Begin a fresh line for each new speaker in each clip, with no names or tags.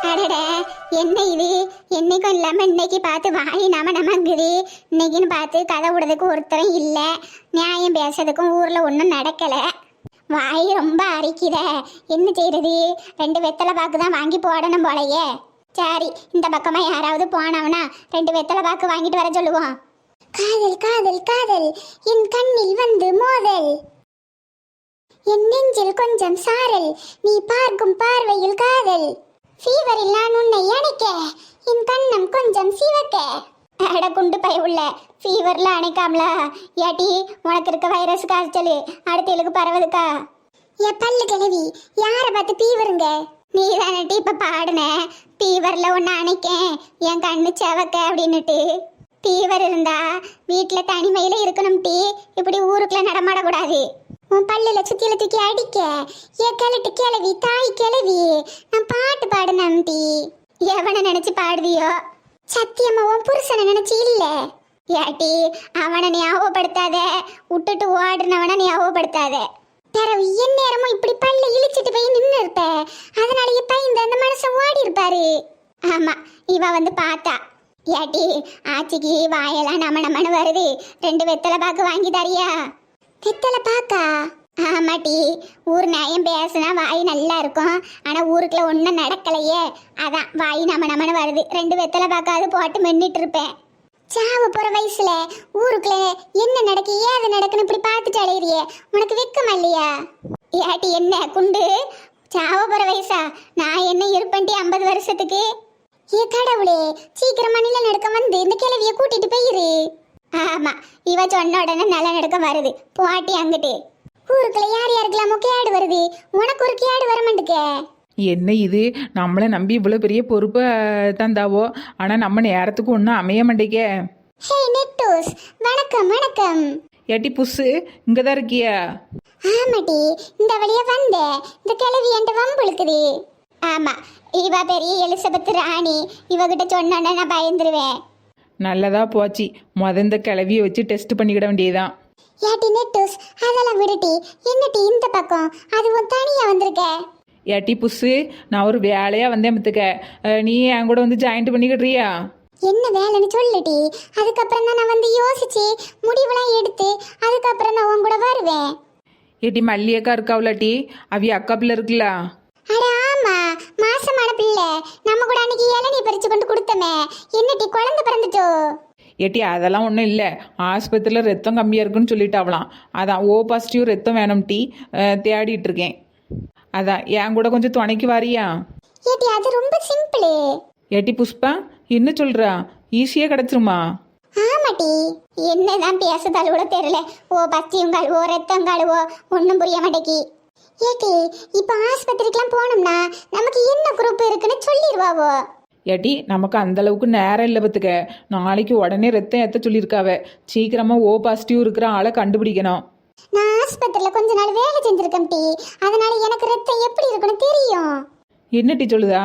அடட, என்ன இது? என்னைக்கும் இல்லாம இன்னைக்கு பார்த்து வாய் நமங்குது. இன்னைக்குன்னு பார்த்து கதை விடுறதுக்கு ஒருத்தரும் இல்ல, நியாயம் பேசுறதுக்கும் ஊர்ல ஒன்றும் நடக்கல. வாய் ரொம்ப அரிக்குத. என்ன செய்யறது? 2 வெத்தலை பாக்கு தான் வாங்கி போடணும் போலயே. சரி, இந்த பக்கமா யாராவது போனவனா 2 வெத்தலை பாக்கு வாங்கிட்டு வர சொல்லுவோம். காதல் காதல் காதல் என் கண்ணில் வந்து மோதல், என் நெஞ்சில் கொஞ்சம் சாரல், நீ பார்க்கும் பார்வையில் காதல், ஃபீவரில் நான் உன்னை அணைக்க, என் கண்ணம் கொஞ்சம் சிவக்க. அட குண்டு பய உள்ள, ஃபீவர்ல அணைக்காமலா? ஏட்டி, உனக்கு இருக்க வைரஸ் காய்ச்சல் அடுத்தலுக்கு பரவதுக்கா? என் பல்லு கிழவி, யாரை பார்த்து ஃபீவருங்க? நீ தானட்டி இப்ப பாடுன, ஃபீவர்ல ஒன்னு அணைக்கேன் என் கண்ணு செவக்க அப்படின்னுட்டு. ஃபீவர் இருந்தா வீட்டுல தனிமையில இருக்கணும் டீ, இப்படி ஊருக்குள்ள நடமாடக்கூடாது. உன் பல்லுல சுத்தியில தூக்கி அடிக்க, என் கிளட்டு கிளவி தாய் கிளவி, நான் பாட்டு பாடுனேன் டீ. எவனை நினைச்சு பாடுவியோ? சத்தியம்மா உன் புருஷனை நினைச்சு இல்ல. ஏட்டி, அவனை ஞாபகப்படுத்தாத, விட்டுட்டு ஓடுனவனை ஞாபகப்படுத்தாத. பிறவு என் நேரமும் இப்படி பல்ல இழிச்சிட்டு போய் நின்று இருப்ப, அதனால இப்ப அந்த மனுஷன் ஓடி இருப்பாரு. ஆமா, இவ வந்து பார்த்தா. ஏட்டி, ஆச்சிக்கு வாயெல்லாம் நமனு வருது, 2 வெத்தலை பாக்கு வாங்கி தரியா? வெத்தலை பாக்கா? ஆமாட்டி, ஊர் நியாயம் பேசுனா வாய் நல்லா இருக்கும், ஆனா ஊருக்குள்ள ஒன்றும் நடக்கலையே, அதான் வாய் நமனு வருது. 2 வெத்தலை பாக்காது போட்டு மென்னிட்டு இருப்பேன். சாவு போற வயசுல ஊருக்குள்ள என்ன நடக்கு ஏது நடக்குன்னு இப்படி பார்த்துட்டு அலையிறியே, உனக்கு வெக்கமா இல்லையா? ஏட்டி என்ன குண்டு, சாவ போற வயசா? நான் என்ன இருப்பேன்ட்டி 50 வருஷத்துக்கு? ஏ கடவுளே, சீக்கிரமா நில நடக்க வந்து இந்த கிழவிய கூட்டிட்டு போயிரு. ஆமா, இவ சொன்ன உடனே நல்ல நடக்க வருது, போட்டி அங்கிட்டு. ஊருக்குள்ள யார் யாருக்கெல்லாமோ கேடு வருது, உனக்கு ஒரு கேடு வர மாட்டுக்க.
என்ன இது, நம்மளை நம்பி இவ்வளோ பெரிய பொறுப்பை தந்தாவோ, ஆனால் நம்ம நேரத்துக்கு ஒன்றும் அமைய மாட்டேங்க.
ஹே நெட்டூஸ், வணக்கம் வணக்கம்.
ஏட்டி புஸ்ஸு, இங்கே தான் இருக்கியா?
ஆமாட்டி, இந்த வழியா வந்த இந்த கிழவி என்கிட்ட வம்புழுக்குது. ஆமா, இவ பெரிய எலிசபெத் ராணி, இவகிட்ட சொன்னோன்னா நான் பயந்துருவேன்.
நல்லதா போச்சு, இந்த கிளவியை வச்சு டெஸ்ட் பண்ணிக்கிட வேண்டியதுதான்.
ஏட்டி நெட்டூஸ், அதெல்லாம் விடுட்டி, என்னட்டி இந்த பக்கம் அதுவும் தனியா வந்திருக்க?
ஏட்டி புஸ்ஸு, நான் ஒரு வேலையாக வந்தேன் பத்துக்க, நீ என் கூட வந்து ஜாயிண்ட் பண்ணிக்கிட்றியா?
என்ன வேலைன்னு சொல்லுடி, அதுக்கப்புறம் தான் நான் வந்து யோசிச்சு முடிவுலாம் எடுத்து அதுக்கப்புறம் நான் உன் கூட வருவேன்.
ஏட்டி மல்லியக்கா இருக்காவலாட்டி, அவிய அக்கா பிள்ளை இருக்குல்ல?
அட ஆமா, மாசமான பிள்ளை, நம்ம கூட அன்னைக்கு இளநீ பறிச்சு கொண்டு கொடுத்தமே, என்னட்டி குழந்தை பிறந்துட்டோ?
ஏட்டி அதெல்லாம் ஒன்றும் இல்லை, ஆஸ்பத்திரியில் ரத்தம் கம்மியாக இருக்குன்னு சொல்லிட்டாவலாம், அதான் ஓ பாசிட்டிவ் ரத்தம் வேணும் டீ, தேடிட்டு இருக்கேன். அதான் என் கூட கொஞ்சம் துணைக்கு வாரியா?
ஏட்டி அது ரொம்ப சிம்பிள்.
ஏட்டி புஷ்பா, என்ன சொல்கிறா? ஈஸியாக கிடச்சிருமா?
ஆமாட்டி, என்னதான் பேசுதால் கூட தெரியல, ஓ பத்தியும் கழுவோ ரத்தம் கழுவோ ஒன்றும் புரிய மாட்டேக்கி. ஏட்டி, இப்போ ஆஸ்பத்திரிக்கெல்லாம் போனோம்னா நமக்கு என்ன குரூப் இருக்குன்னு சொல்லிடுவாவோ?
ஏட்டி நமக்கு அந்த அளவுக்கு நேரம் இல்லை பத்துக்க, நாளைக்கு உடனே ரத்தம் ஏற்ற சொல்லியிருக்காவ, சீக்கிரமாக ஓ பாசிட்டிவ் இருக்கிற ஆளை கண்டுபிடிக்கணும்.
நான் ஆஸ்பத்திரியில கொஞ்ச நாள் வேலை செஞ்சிருக்கேன் டி, அதனால எனக்கு ரத்தம் எப்படி இருக்குன்னு தெரியும்.
என்ன டீ சொல்லுதா?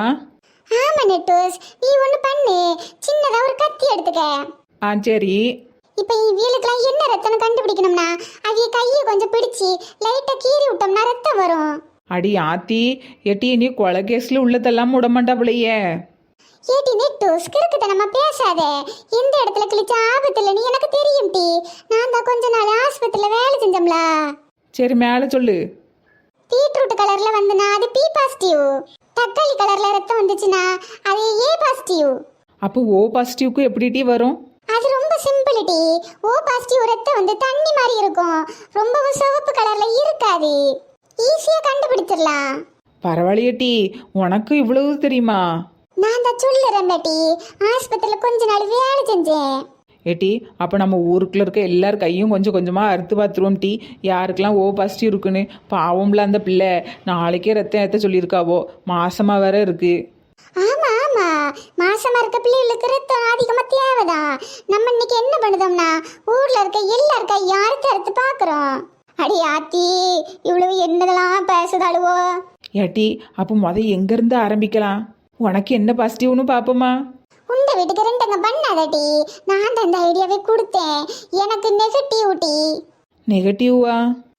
ஆமா நெட்டூஸ், நீ ஒண்ணு பண்ணு, சின்னதா ஒரு கத்தி எடுத்துக்க.
ஆ சரி.
இப்போ இவளுக்குலாம் என்ன ரத்தம்னு கண்டுபிடிக்கணும்னா அவிய கையை கொஞ்சம் பிடிச்சி லைட்டா கீறி விட்டோம்னா ரத்தம் வரும்.
அடி ஆத்தி, ஏட்டி நீ கொலை கேஸ்ல உள்ளதெல்லாம் விடமாட்டாப்லையே.
ஏட்டி நெட்டூஸ், கிறுக்குத்தனமா பேசாத, எந்த இடத்துல கிழிச்ச ஆபத்து இல்லைன்னு எனக்கு தெரியும் டி, நான் தான் கொஞ்ச நாள் ஆஸ்பத்திரியில வேலை செஞ்சோம்ல.
சரி மேலே சொல்லு.
பீட்ரூட் கலர்ல வந்துனா அது பி பாசிட்டிவ், தக்காளி கலர்ல ரத்தம் வந்துச்சுன்னா அது ஏ பாசிட்டிவ்.
அப்போ ஓ பாசிட்டிவ்க்கு எப்படி டீ வரும்?
அது ரொம்ப சிம்பிள் டி, ஓ பாசிட்டிவ் ரத்தம் வந்து தண்ணி மாதிரி இருக்கும், ரொம்பவும் சிவப்பு கலர்ல இருக்காது, ஈஸியா கண்டுபிடிச்சிடலாம்.
பரவாயில்லையே டீ, உனக்கு இவ்வளவு தெரியுமா?
நான் தான் சொல்லுறேன் டி, ஆஸ்பத்திரியில கொஞ்ச நாள் வேலை செஞ்சேன்.
ஏட்டி அப்போ நம்ம ஊருக்குள்ள இருக்க எல்லார் கையும் கொஞ்சம் கொஞ்சமாக அறுத்து பார்த்துருவோம் டீ, யாருக்கெல்லாம் ஓ பாசிட்டிவ் இருக்குன்னு. பாவம்ல அந்த பிள்ளை, நாளைக்கே ரத்தம் ஏற்ற சொல்லியிருக்காவோ, மாசமா வேற இருக்கு.
ஆமா ஆமா, மாசமா இருக்க பிள்ளைகளுக்கு ரத்தம் அதிகமா தேவைதான். நம்ம இன்னைக்கு என்ன பண்ணுதோம்னா ஊர்ல இருக்க எல்லார் கையும் அறுத்து அறுத்து பாக்குறோம். அடி ஆத்தி, இவ்வளவு என்னதெல்லாம் பேசுதாளுவோ.
ஏட்டி அப்போ எங்கேருந்து ஆரம்பிக்கலாம்? உனக்கு என்ன பாசிட்டிவ்னு பார்ப்போமா?
உண்ட வீட்டுக்கு ரெண்டுங்க பண்ணாதடி, நான் தான் இந்த ஐடியாவே கொடுத்தேன், எனக்கு நெகட்டிவ் டி.
நெகட்டிவா?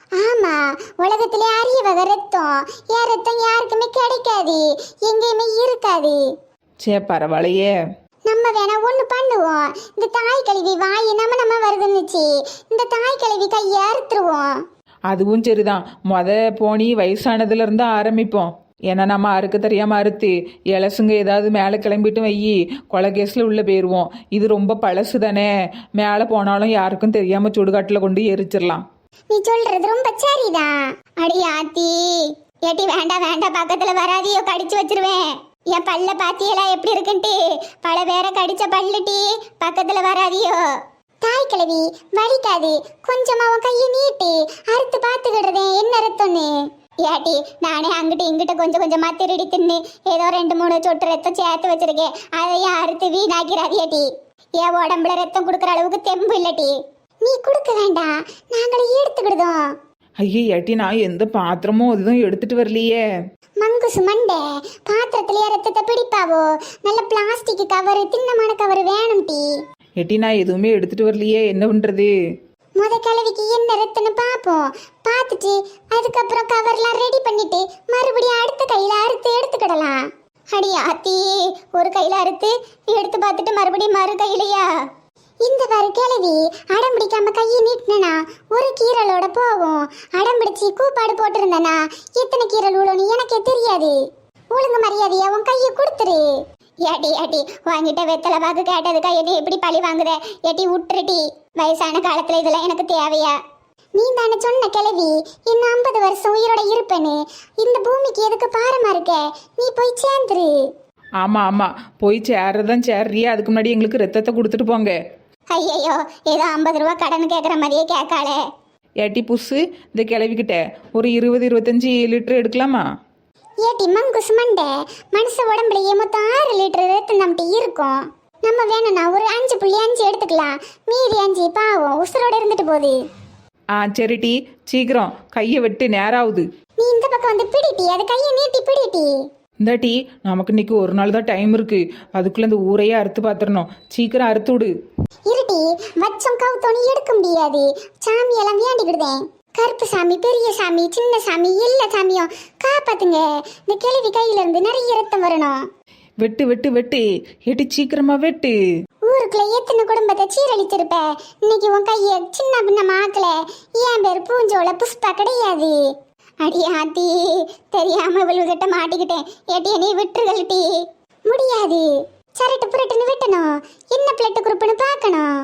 ஆமா, உலகத்திலே அரிய வகை ரத்தம். என் ரத்தம் யாருக்குமே கிடைக்காது, எங்கேயுமே இருக்காது.
சே பரவாயில்லையே.
நம்ம வேணா ஒண்ணு பண்ணுவோம். இந்த தாய் கழுவி வாய் நம்ம வருதுன்னுச்சு, இந்த தாய் கழுவி கையை அறுத்துருவோம்.
அதுவும் சரிதான். போனி வயசானதுல இருந்து ஆரம்பிப்போம். ஏன்னா நம்ம அறுக்க தெரியாம அறுத்து இலசுங்க ஏதாவது மேலே கிளம்பிட்டு வையி கொலை கேஸில் உள்ள போயிடுவோம். இது ரொம்ப பழசு தானே, மேலே போனாலும் யாருக்கும் தெரியாம சுடுகாட்டில் கொண்டு எரிச்சிடலாம்.
நீ சொல்றது ரொம்ப சரிதான். அடி ஆத்தி, ஏட்டி வேண்டாம் வேண்டாம், பக்கத்துல வராதியோ, கடிச்சு வச்சிருவேன். என் பல்ல பாத்தியலா எப்படி இருக்குன்ட்டு, பல வேற கடிச்ச பல்லுட்டி, பக்கத்துல வராதியோ. தாய் கிழவி வலிக்காது, கொஞ்சமா உன் கையை நீட்டி அறுத்து பார்த்துக்கிடுறதே என்ன ரத்தம்னு. ஏட்டி நானே அங்கிட்டு இங்கிட்ட கொஞ்சம் கொஞ்சமா திருடி தின்னு ஏதோ 2-3 சொட்டு ரத்தம் சேர்த்து வச்சிருக்கேன். அதையும் அறுத்து வீணாக்கிறாதியாட்டி. என் உடம்புல ரத்தம் கொடுக்குற அளவுக்கு தெம்பு இல்லட்டி. நீ கொடுக்க வேண்டாம், நாங்களே எடுத்துக்கிடுதோம்.
ஐயே ஏட்டி, நான் எந்த பாத்திரமும் அதுதான் எடுத்துட்டு வரலையே.
மங்குசு மண்டை, பாத்திரத்திலேயே ரத்தத்தை பிடிப்பாவோ? நல்ல பிளாஸ்டிக் கவர், தின்னமான கவர் வேணும் டீ.
ஏட்டி நான் எதுவுமே எடுத்துட்டு வரலையே, என்ன பண்றது?
முத கிழவிக்கு என்ன ரத்தம்னு பார்ப்போம். பார்த்துட்டு அதுக்கப்புறம் கவர்லாம் ரெடி பண்ணிட்டு மறுபடியும் அடுத்த கையில அறுத்து எடுத்துக்கிடலாம். அடி ஆத்தி, ஒரு கையில அறுத்து எடுத்து பார்த்துட்டு மறுபடியும் மறு கையிலையா? இந்த பாரு கிழவி, அடம் பிடிக்காம கையை நீட்டினா ஒரு கீரலோட போகும். அடம் பிடிச்சி கூப்பாடு போட்டிருந்தனா எத்தனை கீரல் உழுன்னு எனக்கே தெரியாது. ஒழுங்கு மரியாதையா உன் கையை கொடுத்துரு. ஏட்டி ஏட்டி, வாங்கிட்ட வெத்தலை பாக்கு கேட்டதுக்கா என்னை எப்படி பழி வாங்குத? ஏட்டி விட்டுருட்டி, வயசான காலத்துல இதெல்லாம் எனக்கு தேவையா? நீ தானே சொன்ன கிழவி இன்னும் 50 வருஷம் உயிரோட இருப்பேன்னு. இந்த பூமிக்கு எதுக்கு பாரமா இருக்க? நீ போய் சேர்ந்துரு.
ஆமா ஆமா, போய் சேர்றதான் சேர்றியே, அதுக்கு முன்னாடி எங்களுக்கு ரத்தத்தை கொடுத்துட்டு போங்க.
ஐயையோ, ஏதோ 50 ரூபா கடன் கேட்குற மாதிரியே கேட்காளே.
ஏட்டி புஸ்ஸு, இந்த கிளவிக்கிட்ட ஒரு 20-25 லிட்டர் எடுக்கலாமா?
ஏட்டி மங்குசு மண்டை, மனுஷ உடம்புலயே மொத்தம் 6 லிட்டர் ரத்தம் நம்மகிட்ட இருக்கும். நம்ம வேணும்னா ஒரு 5.5 எடுத்துக்கலாம், மீதி 5 பாவம் உசுரோட இருந்துட்டு போகுது.
சரிட்டி, சீக்கிரம் கையை விட்டு நேராகுது.
நீ இந்த பக்கம் வந்து பிடிட்டி, அது கையை நீட்டி பிடிட்டி.
இந்த டீ, நமக்கு இன்னைக்கு ஒரு நாள் தான் டைம் இருக்கு, அதுக்குள்ள இந்த ஊரையே அறுத்து பாத்துறணும். சீக்கிரம் அறுத்து விடு.
இருட்டி, வச்சம் கவுத்தோன்னு எடுக்க முடியாது. சாமி எல்லாம் வேண்டிக்கிடுதேன். கருப்பு சாமி, பெரிய சாமி, சின்ன சாமி, எல்லா சாமியும் காப்பாத்துங்க. இந்த கிழவி கையில இருந்து நிறைய ரத்தம் வரணும்.
வெட்டு வெட்டு வெட்டு, ஏட்டி சீக்கிரமா வெட்டு.
ஊருக்குள்ள எத்தனை குடும்பத்தை சீரழிச்சிருப்ப, இன்னைக்கு உன் கைய சின்ன பின்ன ஆக்கல. என் பேர் பூஞ்சோல புஷ்பா கிடையாது. அடி ஆத்தி, தெரியாம இவள்கிட்ட மாட்டிக்கிட்டேன். ஏட்டி நீ விட்டுருகல்டி. முடியாது, சரட்டு புரட்டுன்னு வெட்டணும். என்ன பிளட்டு குரூப்னு பார்க்கணும்.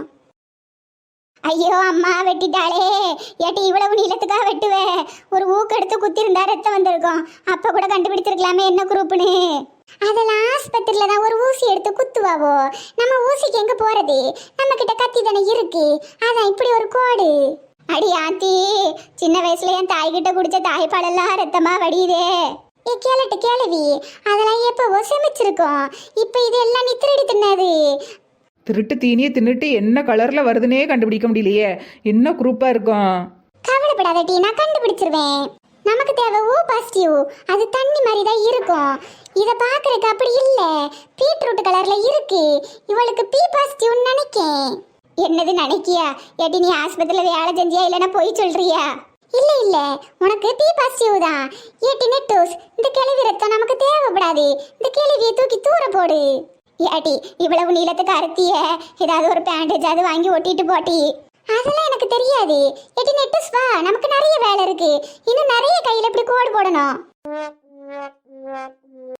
ஐயோ அம்மா, வெட்டிட்டாளே. ஏட்டி இவ்வளவு நீளத்துக்காக வெட்டுவேன்? ஒரு ஊக்கு எடுத்து குத்திருந்தா ரத்தம் வந்திருக்கும். அப்ப கூட கண்டுபிடிச்சிருக்கலாமே என்ன குரூப்னு. அதெல்லாம் ஆஸ்பத்திரியில தான் ஒரு ஊசி எடுத்து குத்துவாவோ. நம்ம ஊசிக்கு எங்க போறது? நம்ம கிட்ட கத்தி தானே இருக்கு, அதான் இப்படி ஒரு கோடு. அடி ஆத்தி, சின்ன வயசுல என் தாய்கிட்ட குடிச்ச தாய்ப்பாலெல்லாம் ரத்தமா வடியுதே. கேளட்டு கேளவி, அதெல்லாம் எப்பவோ செமிச்சிருக்கோம். இப்ப இது எல்லாம் நீ திருடி தின்னது.
திருட்டு தீனியை தின்னுட்டு என்ன கலர்ல வருதுன்னே கண்டுபிடிக்க முடியலையே, என்ன குரூப்பா இருக்கும்?
கவலைப்படாத டி, நான் கண்டுபிடிச்சிருவேன். நமக்கு தேவை ஓ பாசிட்டிவ், அது தண்ணி மாதிரி தான் இருக்கும். இதை பார்க்கறதுக்கு அப்படி இல்லை, பீட்ரூட் கலர்ல இருக்கு. இவளுக்கு பி பாசிட்டிவ்னு நினைக்கேன். என்னது நினைக்கியா? ஏட்டி நீ ஆஸ்பத்திரியில் வேலை செஞ்சியா இல்லைன்னா போய் சொல்றியா? இல்ல இல்ல, உனக்கு பி பாசிட்டிவ் தான். ஏட்டி நெட்டோஸ், இந்த கிழவி ரத்தம் நமக்கு தேவைப்படாது. இந்த கிழவியை தூக்கி தூர போடு. ஏட்டி இவ்வளவு நீளத்துக்கு அறுத்திய, ஏதாவது ஒரு பேண்டேஜ் அது வாங்கி ஒட்டிட்டு போட்டி. அதெல்லாம் எனக்கு தெரியாது. ஏட்டி நெட்டோஸ் வா, நமக்கு நிறைய வேலை இருக்கு. இன்னும் நிறைய கையில இப்படி கோடு போடணும்.